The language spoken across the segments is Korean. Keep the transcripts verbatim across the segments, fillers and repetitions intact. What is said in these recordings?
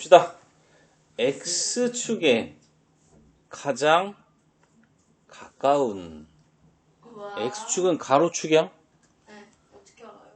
봅시다. X축에 가장 가까운 우와. X축은 가로축이야? 네, 어떻게 알아요?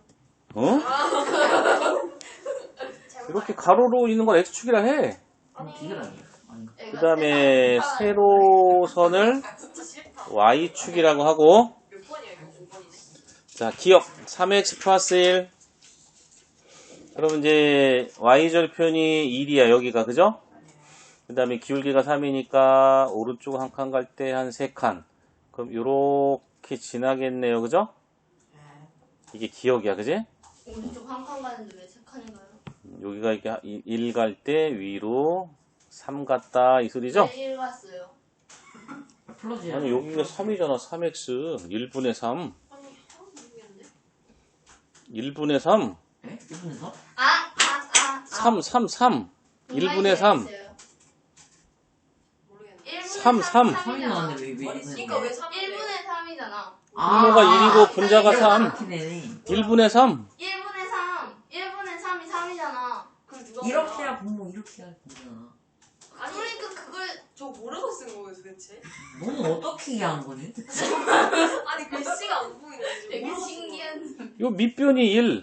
어? 이렇게 가로로 있는 건 X축이라 해. 아니, 그 다음에 세로선을 Y축이라고 하고, 몇 번이야 이거? 오 번이네. 자, 기억 삼 엑스 플러스 일. 그러면 이제 Y절편이 일이야 여기가, 그죠? 그 다음에 기울기가 삼이니까 오른쪽 한 칸 갈 때 한 세 칸. 그럼 요렇게 지나겠네요, 그죠? 이게 기억이야, 그지? 오른쪽 한 칸 가는데 왜 세 칸인가요? 여기가 이렇게 일 갈 때 위로 삼 갔다 이 소리죠? 네, 일 갔어요. 아니 여기가 삼이잖아. 삼 엑스 일분의 삼. 아니, 아, 모르겠는데. 일분의 삼. 에? 일분의 삼? 아, 아, 아, 아. 삼, 삼, 삼. 일분의 삼. 모르겠는데. 삼, 삼. 삼이 나왔는데 왜, 왜 그러니까 왜 삼? 일분의 삼이잖아. 분모가 일이고 분자가 삼. 삼. 일분의 삼. 일분의 삼. 일분의 삼이 삼이잖아. 그럼 누가 이렇게 몰라? 해야 분모, 이렇게 해야 분모잖아. 아니, 그러니까 그걸 저 모르고 쓴 거예요 도대체? 너는 어떻게 이해하는 거니? 아니 글씨가 안 보이네. 되게 신기한. 요 밑변이 일.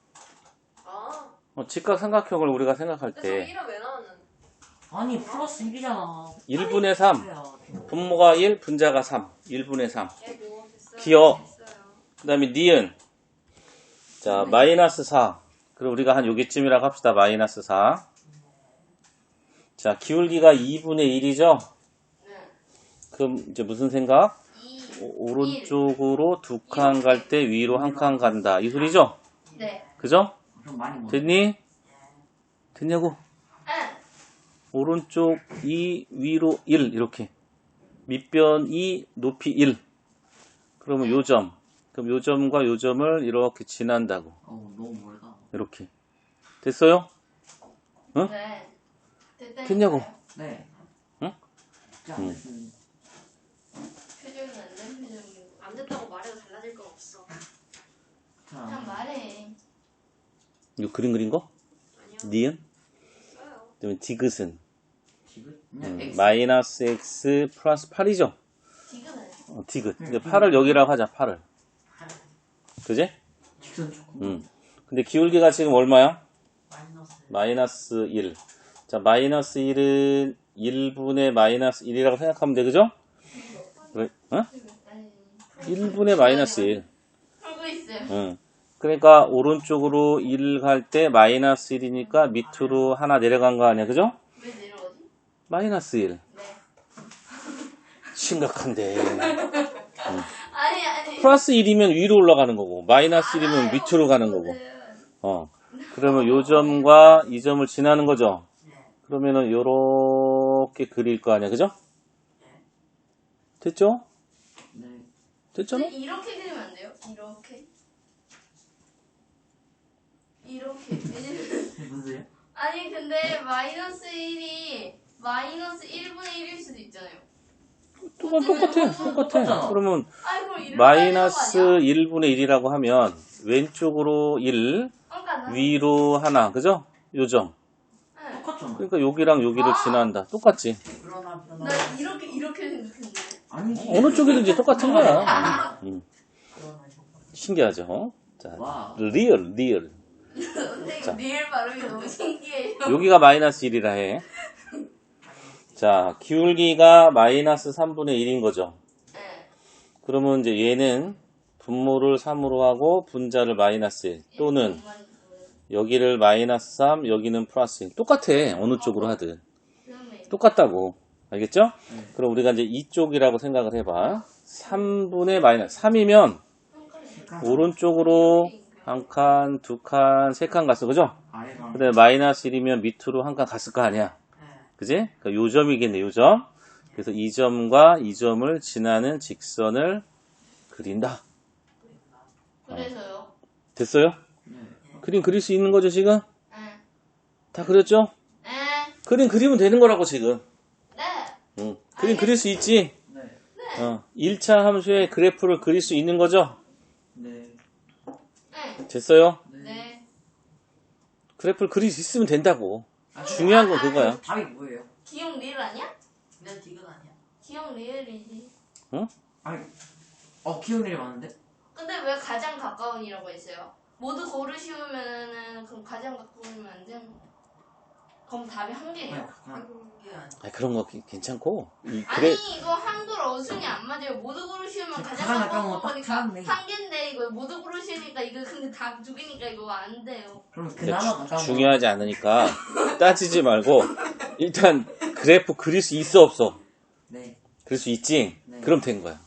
아, 어, 직각삼각형을 우리가 생각할 근데 저 때 일은 왜 나왔는? 아니 플러스 일이잖아. 일분의 삼. 분모가 일, 분자가 삼. 일분의 삼. 예고 됐어요. 기억. 됐어요. 그 다음에 니은. 자, 마이너스 사. 그럼 우리가 한 요기쯤이라고 합시다. 마이너스 사. 자, 기울기가 이분의 일이죠? 네. 그럼 이제 무슨 생각? 이. 오, 오른쪽으로 두 칸 갈 때 위로 한 칸 간다. 이 소리죠? 네. 그죠? 그럼 많이 못. 됐니? 됐냐고? 응. 오른쪽 이, 위로 일. 이렇게. 밑변 이, 높이 일. 그러면 요 점. 그럼 요 점과 요 점을 이렇게 지난다고. 어, 너무 멀다. 이렇게. 됐어요? 응? 네. 됐다니까요. 됐냐고? 네. 응? 진짜 응. 안 됐습니다. 표정이 안 된 표정이고. 안 됐다고 말해도 달라질 건 없어. 그냥 자, 말해. 이거 그림 그린 거? 아니요. 니은? 써요. 그다음에 디귿은? 지금 그냥 음, X. 마이너스 x 플러스 팔이죠? 지금은. 어, 디귿. 근데 팔을 여기라고 하자, 팔을. 그지? 직선 조금. 음. 근데 기울기가 지금 얼마야? 마이너스. 마이너스 일. 자, 마이너스 일은 일분의 마이너스 일이라고 생각하면 돼, 그죠? 왜? 어? 아니. 일분의 마이너스 일. 풀고 있어요. 응. 그러니까 오른쪽으로 일 갈 때 마이너스 일이니까 밑으로 하나 내려간 거 아니야, 그죠? 왜 내려가지? 마이너스 일. 네. 심각한데. 아니 아니. 플러스 일이면 위로 올라가는 거고, 마이너스 일이면 알아요, 밑으로 가는 거고. 그거는. 어. 그러면 요 점과 이 점을 지나는 거죠? 그러면은 요렇게 그릴 거 아니야, 그죠? 됐죠? 네. 됐잖아? 근데 이렇게 그리면 안 돼요? 이렇게. 이렇게. 왜냐면 무슨 소리야? 아니 근데 마이너스 일이 마이너스 일분의 일일 수도 있잖아요. 똑같, 똑같아, 똑같아. 그러면 아니 그럼 이렇게 마이너스 하는 거 아니야? 일분의 일이라고 하면 왼쪽으로 일, 그러니까 나- 위로 하나, 그죠? 요 점. 네. 똑같잖아. 그러니까 여기랑 여기를 아! 지난다. 똑같지? 그러나 그러나. 나 이렇게 이렇게 생각했는데. 아니지. 어느 쪽이든지 똑같은 거야. 음. 그러나 이거. 신기하죠? 자, 와. 리얼, 리얼. 선생님 리을 발음이 너무 신기해요. 여기가 마이너스 일이라 해. 자, 기울기가 마이너스 삼분의 일인 거죠. 네. 그러면 이제 얘는 분모를 삼으로 하고 분자를 마이너스 일 또는 여기를 마이너스 삼, 여기는 플러스 일. 똑같아. 어느 쪽으로 하든. 똑같다고. 알겠죠? 네. 그럼 우리가 이제 이쪽이라고 생각을 해봐. 삼분의 마이너스. 삼이면 오른쪽으로 한 칸, 두 칸, 세 칸 갔어. 그죠? 아래가. 근데 마이너스 일이면 밑으로 한 칸 갔을 거 아니야. 그지? 그러니까 요 점이겠네, 요 점. 그래서 이 점과 이 점을 지나는 직선을 그린다. 그래서요. 됐어요? 네. 그림 그릴 수 있는 거죠, 지금? 네. 다 그렸죠? 네. 그림 그리면 되는 거라고, 지금. 네. 응. 그림 그릴 수 있지? 네. 어. 일 차 함수의 그래프를 그릴 수 있는 거죠? 네. 네. 됐어요? 네. 그래프를 그릴 수 있으면 된다고. 아, 중요한 건 아, 그거야. 답이 뭐예요? 기억 리을 아니야? 내 디귿 아니야. 기억 리을이지. 아니, 어 기억력이 많은데? 근데 왜 가장 가까운이라고 했어요? 모두 고르시면은 그럼 가장 가까우면 안 되는 거. 그럼 답이 한 개예요. 아니, 그냥 한국이 아니. 아, 그런 거 괜- 괜찮고. 이, 그래, 아니 이거 한글 어순이 안 맞아요. 모두 고르시면 가장 가장 가까운 가까운 거 딱 거니까 하네. 한 개인데 이거 모두 고르시니까 이거 근데 답 두 개니까 이거 안 돼요. 그럼 근데 그나마 주- 가까운 중요하지 않으니까 따지지 말고 일단 그래프 그릴 수 있어 없어? 거. 네. 그릴 수 있지? 네. 그럼 된 거야.